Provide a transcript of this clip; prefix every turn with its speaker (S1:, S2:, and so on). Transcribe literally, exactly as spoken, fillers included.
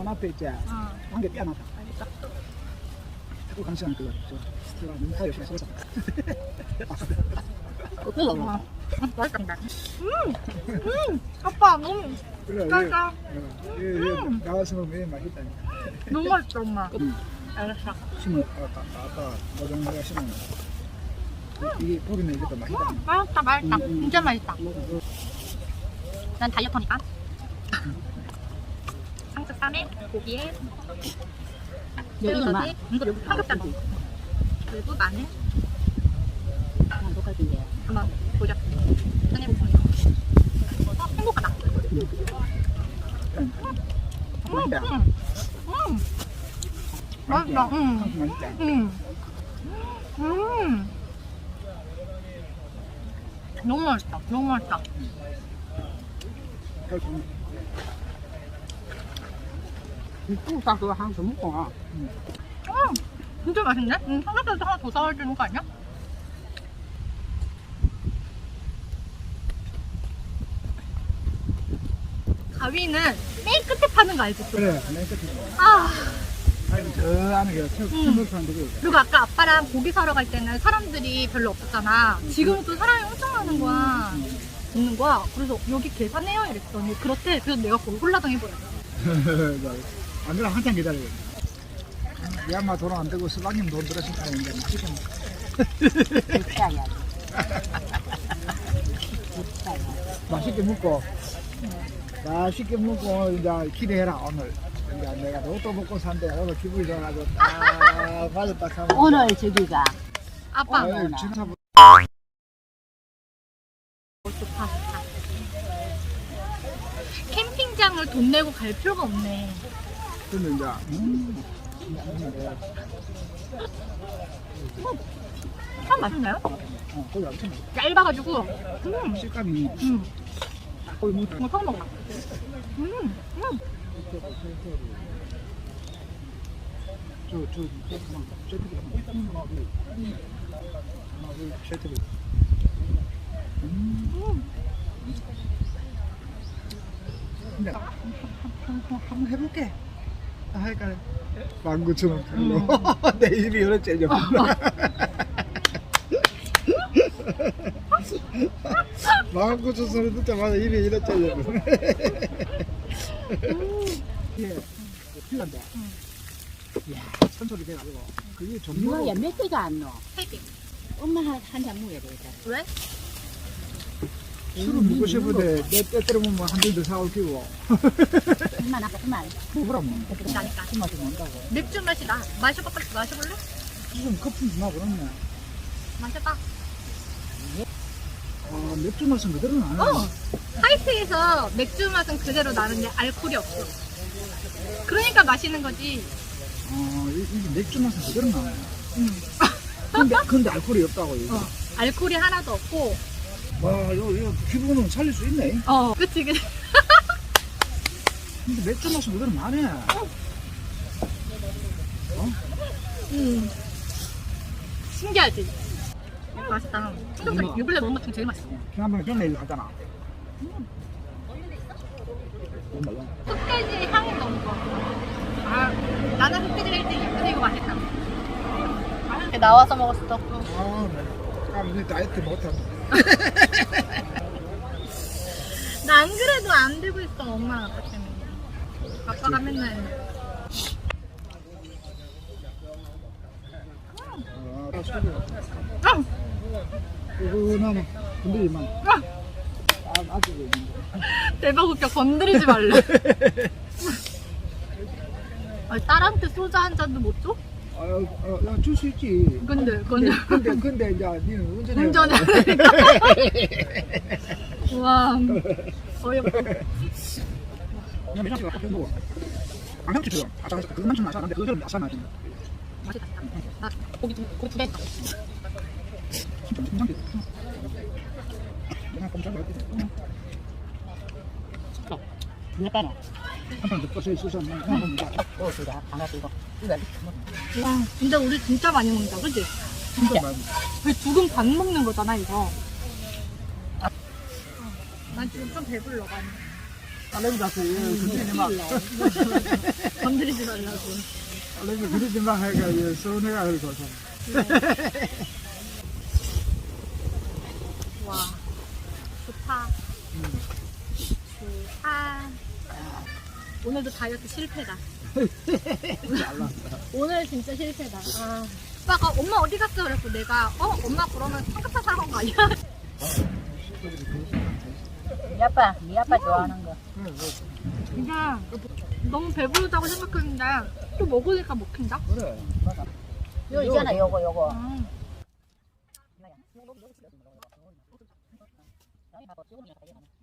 S1: 앞에 있지. 한개 떼어놨다. 자꾸 감시하는 그거. 저 눈타 열심히 쏘자.
S2: 그거 봐. 맛있다. 음, 음, 아빠 너무
S1: 그래.
S2: 짜자.
S1: 음. 나왔으면 왜 맛있다.
S2: 너무 맛있다 엄마.
S1: 음.
S2: 알았어.
S1: 심은 아까 아까 노정이가 심은 이게 보기는 이게 더 맛있다.
S2: 음, 맛있다 맛있다.
S1: 음, 음.
S2: 진짜 맛있다. 난 다이어터니까. 상추쌈에 고기에
S3: 여기는
S2: 이거 여기 삼겹살도 그리고 마늘
S3: 난 똑같은데.
S2: 한번 보자. 꺼내보자. 어, 행복하다.
S1: 음. 맛있다.
S2: 음, 음. 맛있다. 음.
S1: 상추 맛있다.
S2: 음. 음. 너무 맛있다. 너무 맛있다.
S3: 국사 그거 하나 더 먹고 와.
S2: 음. 진짜 맛있네? 음, 삼겹살도 하나 더 사와야 되는 거 아니야? 가위는 맨 끝에 파는 거 알지? 또?
S1: 그래, 맨 끝에.
S2: 아.
S1: 아니, 저 안에 그 천물판도 그.
S2: 그리고 아까 아빠랑 고기 사러 갈 때는 사람들이 별로 없었잖아. 지금은 또 사람이 엄청 많은 거야. 있는 거야. 그래서 여기 계산해요 이랬더니 그렇대. 그래서 내가 거기 홀라당 해버렸어.
S1: 안 그럼 한참 기다리겠네. 이 엄마 돈 안 되고 수박님 돈 들었으니까 이제 맛있게 먹-
S3: 국사야. 국사야.
S1: 맛있게 먹고 맛있게 먹고 이제 기대해라 오늘. 이제 내가 로또 먹고 산대. 오늘 기분이 좋아가지고 딱 맞았다 하면
S3: 오늘 저기가
S2: 아빠.
S1: 아유, 진짜
S2: 좋다 좋다. 캠핑장을 돈 내고 갈 필요가 없네.
S1: 근데 이제 음,
S2: 참 맛있나요?
S1: 어, 거기 엄청 맛있어.
S2: 얇아가지고. 음.
S1: 식감이
S2: 음.
S1: 거의 뭐
S2: 이거 처음 먹어. 음. 음.
S1: 저저 셔틀 음. 근데 한번 해볼게. 아, 하니까 만 구천 원 풀로 내 입이 여러 째져. 만 구천 소리 듣자마자 입이 이래 째져. 예, 필란다. 이야, 천소리 돼가지고 그게
S3: 누가
S1: 종류가
S3: 몇 개가 안 넣어?
S2: 세 개.
S3: 엄마 한잔 먹어야 되겠다.
S2: 왜?
S1: 술은 먹고 싶은데 내 때때로 보면 한 잔 더 사올 끼고
S3: 그만 아까 그만.
S1: 먹으라면
S2: 나니까.
S1: 술 맛이 난다고.
S2: 맥주 맛이 나. 마셔봐, 빨리 마셔볼래?
S1: 지금 커피 주나 그렇네.
S2: 마셔봐.
S1: 아, 맥주 맛은 그대로 나네.
S2: 어! 하이트에서 맥주 맛은 그대로 나는데 알코올이 없어. 그러니까 마시는 거지.
S1: 어, 이- 이게 맥주 맛은 그대로 나네.
S2: 응.
S1: 근데, 근데 알코올이 없다고, 이거.
S2: 어. 알코올이 하나도 없고.
S1: 와, 이거, 이거 기분은 살릴 수 있네.
S2: 어. 그치, 그치.
S1: 근데 맥주 맛은 그대로 나네.
S2: 응. 신기하지? 맛있다. 삼겹살 요 근래 먹은 것 중에 제일 맛있어.
S1: 지난번에 전에 이거 하잖아.
S2: 흑돼지 향이 너무 좋아. 아, 나는 흑돼지가 일 등이야. 근데 이거 맛있다. 나와서 먹었어.
S1: 아, 네. 아, 근데 다이어트 못하네.
S2: 나 안 그래도 안 되고 있어. 엄마 아빠 때문에. 아빠가 맨날.
S1: 아, 소리.
S2: 아!
S1: 그거는 건드리만.
S2: 아!
S1: 아, 아직 있는데.
S2: 대박 웃겨. 건드리지 말래. 아니, 딸한테 소주 한 잔도 못 줘?
S1: 아, 아, 줄 수 있지.
S2: 근데,
S1: 근데,
S2: 근데.
S1: 근데, 근데, 이제, 니는 운전해.
S2: 운전해. 와, 어이없다.
S1: 그냥 매장씨가 커피 먹어. 안 형치처럼. 아까 그것만 좀 마셔. 근데 그거처럼 야사 나지.
S2: 맛있다. 나 고기 두, 고기 두 개.
S1: 진짜 괜찮게. 그냥 꼼짝이 없지.
S3: 몇 개나?
S1: 한판 듣고 서 있어서 그냥 한번 먹자.
S3: 어, 그래. 반갑고 이거. 이거
S2: 와, 진짜 우리 진짜 많이 먹는다, 그치?
S1: 진짜 많이.
S2: 거의 두근 반 먹는 거잖아, 이거. 난 지금 좀 배불러, 많이.
S1: 딸내미 다시 건드리지 마.
S2: 건드리지 말라고.
S1: 딸내미 건드리지 마 하니까 이 서운해가 그러고.
S2: 와, 좋다. 좋다. 오늘도 다이어트 실패다. 오늘 진짜 실패다. 아. 오빠가 엄마 어디 갔어? 그랬고 내가 어? 엄마 그러면 삼겹살 사러 간 거 아니야?
S3: 네 아빠, 네 아빠 좋아하는 거.
S2: 그냥 너무 배부르다고 생각했는데 또 먹으니까 먹힌다?
S1: 그래.
S3: 요 있잖아, 요거, 요거.
S2: 음.
S3: 음.